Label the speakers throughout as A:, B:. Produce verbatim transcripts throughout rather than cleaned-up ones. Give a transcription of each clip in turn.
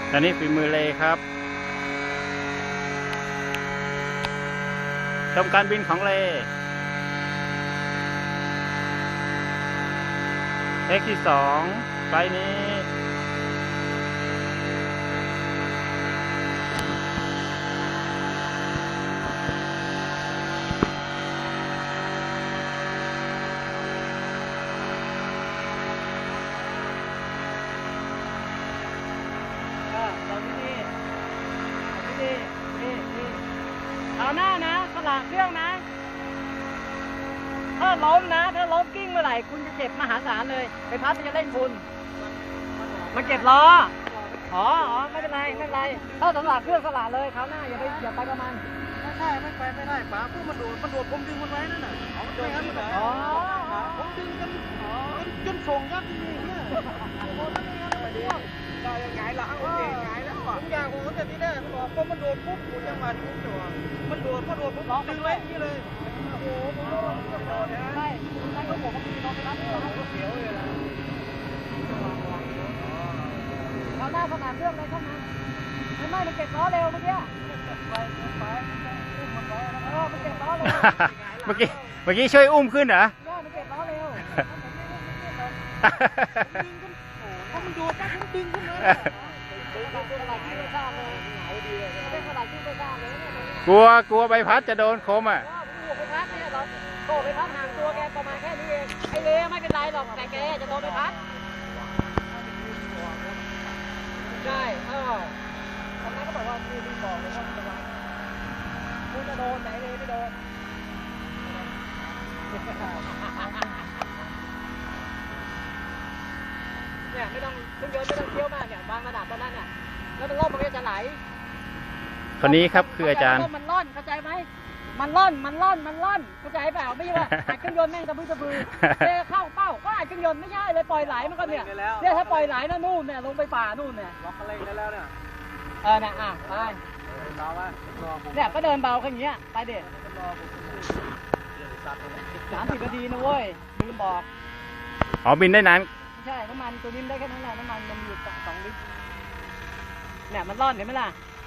A: ตอนนี้ฝีมือเลยครับชมการบินของเลเทคที่สองไฟล์นี้
B: เอาหน้านะสลากเครื่องนะถ้าล้มนะถ้าล้มกิ้งเมื่อไหร่คุณจะเจ็บมหาศาลเลยไปพัดมันจะเล่นคุณมันเก็บล้ออ๋ออ๋อไม่เป็นไรไม่เป็นไรถ้าสลากเครื่องสลากเลยคราวหน้าอย่าไปอย่าไปประมาณ
C: ไม่ใช่ไม่ไปไม่ได้ป๋าพวกมันโดดมันโดดผมดึงมันไว้นั่นน่ะอ๋อไม่งั้นมันอ๋อผมดึงกันอ๋อจนส่งกันนี่เนี่ยโอ้นั่นเองนะพวกได้ยังไงล่ะโอเคไงแล้วอ่ะผมอยากผมแต่ที่แรกมันบอกพอมันโดดปุ๊บกูจังหวะนี้ผมจะมันโดดพอโดดผมดึงไว้นี่เลยโอ้โหผมโดนโดนนะ
B: ใช่ใช่ก็ผมก็มีน้องไปรับเ
C: ขียวเลยล่ะ
B: คราวหน้าสลากเครื่องเลยเข้ามาไม่ไม่มันเก็บล้อเร็วเมื่อกี้
C: ไปไปอุ้มมันไว้แล้ว
B: เออมันเก็บล้อเร็ว
A: เมื่อกี้เมื่อกี้ช่วยอุ้มขึ้นเหรอ
B: ได้มันเก็บล้อเร็ว
C: ถ้ามันโดดไปผมดึงขึ้นมา
A: กลัวกลัวใบพัดจะโดนคมอ่ะ
B: ใบพัดเนี่ยเราโตใบพัดห่างตัวแกประมาณแค่นี้เองไอ้เล่ไม่เป็นไรหรอกแต่แกจะโดนใบพัดใช่เออตอนนั้นก็บอกว่าคือมีบอกเลยว่าจะวางกูจะโดนแต่ไอ้เล่ไม่โดนเนี่ยไม่ต้องเครื่องยนต์ไม่ต้องเคี้ยวมากเนี่ยวางระดับตอนนั้นเนี่ยแล้วมันล่มมันก็จะไหล
A: คนนี้ครับคืออาจารย์
B: มันล่อนเข้าใจไหมมันล่อนมันล่อนมันล่อนเข้าใจเปล่าไม่ใช่ว่าอัดเครื่องยนต์แม่งตะพื้นตะพือเทเข้าเป้าก็อัดเครื่องยนต์ไม่ใช่เลยปล่อยไหลมันก็เนี่ยเนี่ยถ้าปล่อยไหลนะนู่นเนี่ยลงไปป่านู่นเนี่ย
C: ล็อกอะไรได้แล้วเนี่ย
B: เออเนี่ยอ่ะไป
C: เบาว่า
B: เนี่ยก็เดินเบาแค่นี้ไปเด็ดสามสิบนาทีนะเว้ยลืมบอก
A: อ๋อบินได้นาน
B: ใช่น้ำมันตัวนี้ได้แค่นั้นแหละน้ำมันมันอยู่สองลิตรเนี่ยมันร่อนเห็นไหมล่ะ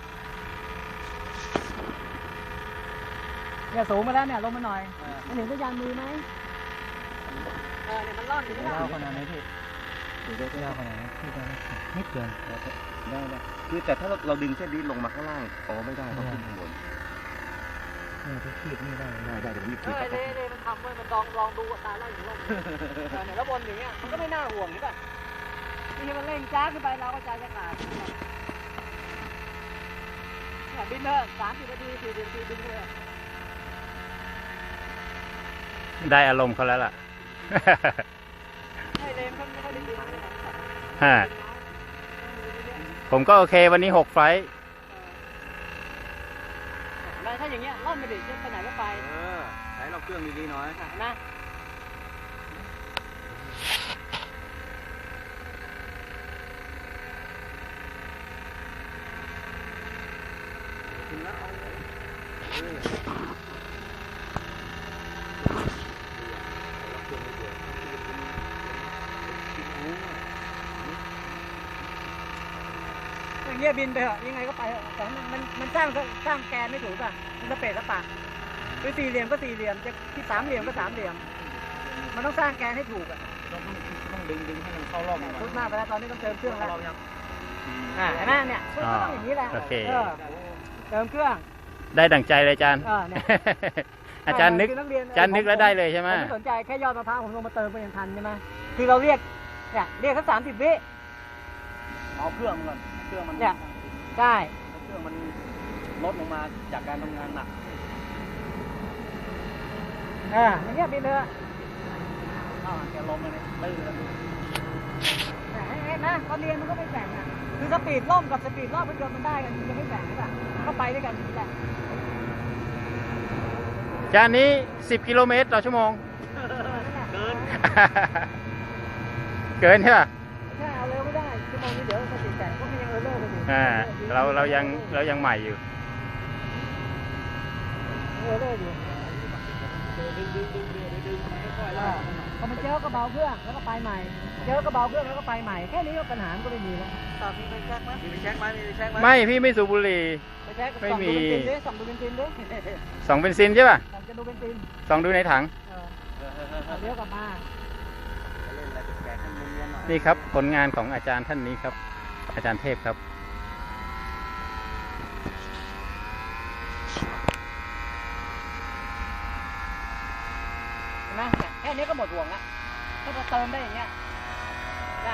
B: เนี่ยสูงมาแล้วเนี่ยลงมาหน่อยมันเห็นสัญญาณมือไหมเออเนี่ยมันร่อนอยู่ที่ไหน
C: ยาวขนาดไหนพี่ดูได้ยาวขนาดไหนพี่ได้ไม่เกินได้ได้คือแต่ถ้าเราดึงเส้นนี้ลงมาข้างล่างอ๋อไม่ได้ต้องขึ้นข้างบนเนี่ยที่ขีดนี่ได้ได้ได้เดี๋ยวมีขีด
B: เออเลยมันทำไว้มันลองลองดูตาไล่อยู่ลงเนี่ยแล้วบนอย่างเงี้ยมันก็ไม่น่าห่วงใช่ป่ะนี่มันเร่งจ้าขึ้นไปเราก็ใจจะขาดเนี่ยบินเถอะสามสิบนาทีสี่สิบนาทีบินเลย
A: ได้อารมณ์เขาแล้วล่ะ
B: ไม่เลยมันไม่ค่อยได้บิน
A: ฮะผมก็โอเควันนี้หกไฟล์
B: แล้วถ้าอย่างเงี้ยล่อนไปดิจะไปไหนก็ไป
C: เออใช้เราเครื่องดีๆหน่อย
B: นะ
C: ถึงแล้วเอาเลย
B: อย่างเงี้ยบินไปเหรอยังไงก็ไปเหรอแต่มันมันสร้างสร้างแกนไม่ถูกป่ะมันสเปซสปะคือสี่เหลี่ยมก็สี่เหลี่ยมจะที่สามเหลี่ยมก็สามเหลี่ยมมันต้องสร้างแกนให้ถูกอ่ะ
C: ต้องต้องดึงดึงให้มันเข้ารอบหน่อย
B: พุทหน้าไปแล้วตอนนี้ต้องเติมเครื่องแล้วอ่าเห็นไหมเนี่ยก็ต้องอย่างนี้แหละ
A: โอเค
B: เติมเครื่อง
A: ได้ดั่งใจเลยอาจารย์อาจารย์นึกอาจารย์นึกแล้วได้เลยใช่ไหม
B: ผมสนใจแค่ยอดมะพร้าวผมลงมาเติมไปยังทันใช่ไหมคือเราเรียกเนี่ยเรียกแค่สามสิบวิ
C: เอาเครื่องก่อนเครื่องมัน
B: เนี่ยได้
C: เครื่องมันลดลงมาจากการทำงานหนัก
B: อ่าอย่างเงี้ยบินเลย
C: อ้าวแกลมเลยตื้อแล้ว
B: เห็นไหมตอนเรียนมันก็ไม่แบ่งอ่ะคือสปีดล่มกับสปีดรอบเครื่องยนต์มันได้กันมันจะไม่แบ่งใช่ป่ะเข้าไปด้วยกันนี่แหละ
A: จานนี้สิบกิโลเมตรต่อชั่วโมง
C: เกิน
A: เกินใช่ป่ะ
B: ใช่เอาเร็วไม่ได้ชั่วโมงนี้เดี๋ยวสปีดแบ่งก็มียังเออร์เลอร์ไปอยู่
A: อ่าเราเรายังเรายังใหม่อยู่
B: เออร์เลอร์อยู่
C: ดึงดึงดึงดึงดึงค่อยๆ
B: เอ
C: ลา
B: อก พอมันเจอก็เบาเครื่องแล้วก็ไปใหม่ เจอก็เบาเครื่องแล้วก็ไปใหม่แค่นี้ก็ปัญหามันก็ไม่มีแล้ว
C: ตามีไปแช็กไหมมีไปแช็กไหมมีไปแช็กไหม
A: ไม่พี่ไม่สูบบุหรี่
B: ไปแช็ค
A: ไม่
B: ส่อง
A: มี
B: ดูเบนซินดิส่องดูเบนซินดิ
A: สองเบนซินใช่ป่ะ
B: ส่องจะดูเบนซิน
A: สองดูในถัง
B: เออเอาเลี้ยวกลับมา
C: เล่นอะไรแปลกๆให้มันเนียนๆหน่อย
A: นี่ครับผลงานของอาจารย์ท่านนี้ครับ อาจารย์เทพครับ
B: เห็นไหมเนี่ยแค่นี้ก็หมดห่วงละถ้าเราเติมได้อย่างเงี้ยได้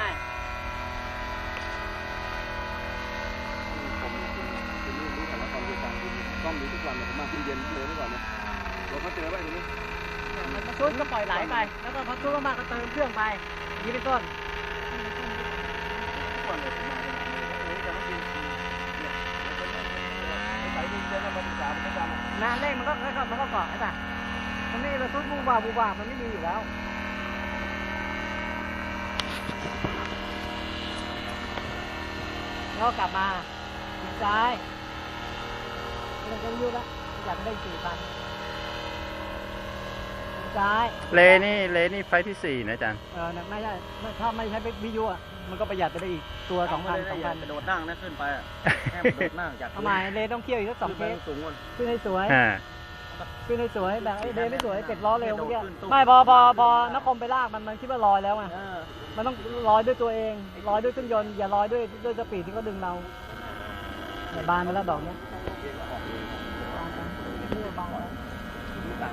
C: ผมคุณรู้รู้แต่ว่าตอนเย็นตอนที่ต้อมอยู่ทุกวันเนี่ยผมมาเย็นๆเลยเมื่อก่อนเนี่ยเราเขาเจอไปตรงนี้
B: มันมาซุดก็ปล่อยไหลไป แล้วก็พอซุดมากๆก็เติมเครื่องไปอย่างนี้เป็นต้น
C: ทุกวันเลยผมมาเนี่ยเออจะมากินเนี่ยแล้วก็เนี่ยไปดินเดินมาศึกษาผมประจำ
B: นานเร่งมันก็ค่อยๆมันก็เกาะใช่ป่ะมันไม่เราซุดบูบาบูบามันไม่มีอยู่แล้วแล้วก็กลับมาทิศซ้ายเราจะยุ่งละอยากได้สี่พันซ้าย
A: เลนี่เลนี่ไฟล์ที่สี่นะอาจารย์
B: เออไม่ใช่ถ้าไม่ใช้วิทยุอ่ะมันก็ประหยัดไปได้อีกตัวสองพันสองพัน
C: กระโดดนั่งนะขึ้นไปอ่ะแค่กระโดดนั่งจาก
B: ทำไมเลต้องเคี่ยวอีกสักสองเคส
C: สูงกว่า
B: ขึ้นให้สวย
A: อ่า
B: ขึ้นให้สวยแบบไอ้เลไม่สวยเป็ดล้อเร็วเมื่อกี้ไม่พอพอพอนครไปลากมันมันคิดว่าลอยแล้วไง
C: เออ
B: มันต้องลอยด้วยตัวเองลอยด้วยเครื่องยนต์อย่าลอยด้วยด้วยสปีดที่เขาดึงเราเนี่ยบานไปแล้วดอกเนี้ยบานไปเรื่อยบานไป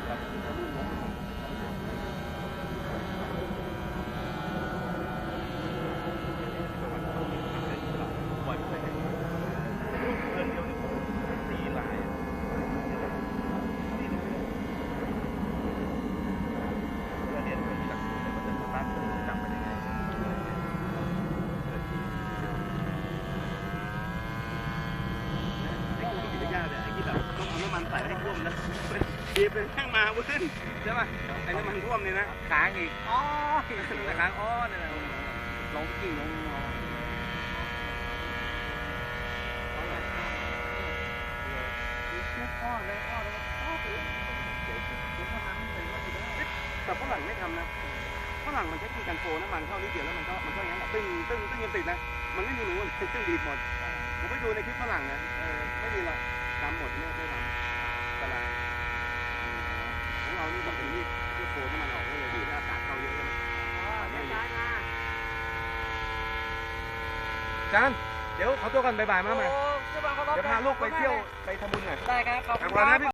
C: ต้องเอาน้ำมันใส่ให้ท่วมนะบีบเป็นแท่งมาวุ้นใช่ป่ะไอ้น้ำมันท่วมนี่นะค้างอีกอ๋อนะค้างอ๋อนี่แหละลงกิ่งลงแต่ฝรั่งไม่ทำนะฝรั่งมันใช้วิธีการโฟน้ำมันเข้านิดเดียวแล้วมันก็มันก็อย่างนั้นตึ้งตึ้งตึ้งยังติดนะมันไม่มีหนูมันตึ้งดีดหมดผมไปดูในคลิปฝรั่งนะเออไม่มีหรอกทำหมดไม่ไม่ทำตารางของเรานี่ต้องเป็นที่ที่โฟน้ำมันออกได้เลยดีแล้วอากาศเข้าเยอะเลยจานเดี๋ยวขอตัวก่อนบ่ายๆมาใหม่เดี๋ยวพาลูกไปเที่ยวไปทำบุญหน่อย
B: ได้ครับขอบ
C: ขอบ
B: คุ
C: คุณ
B: ณ
C: นะ
B: ครับ
C: พี่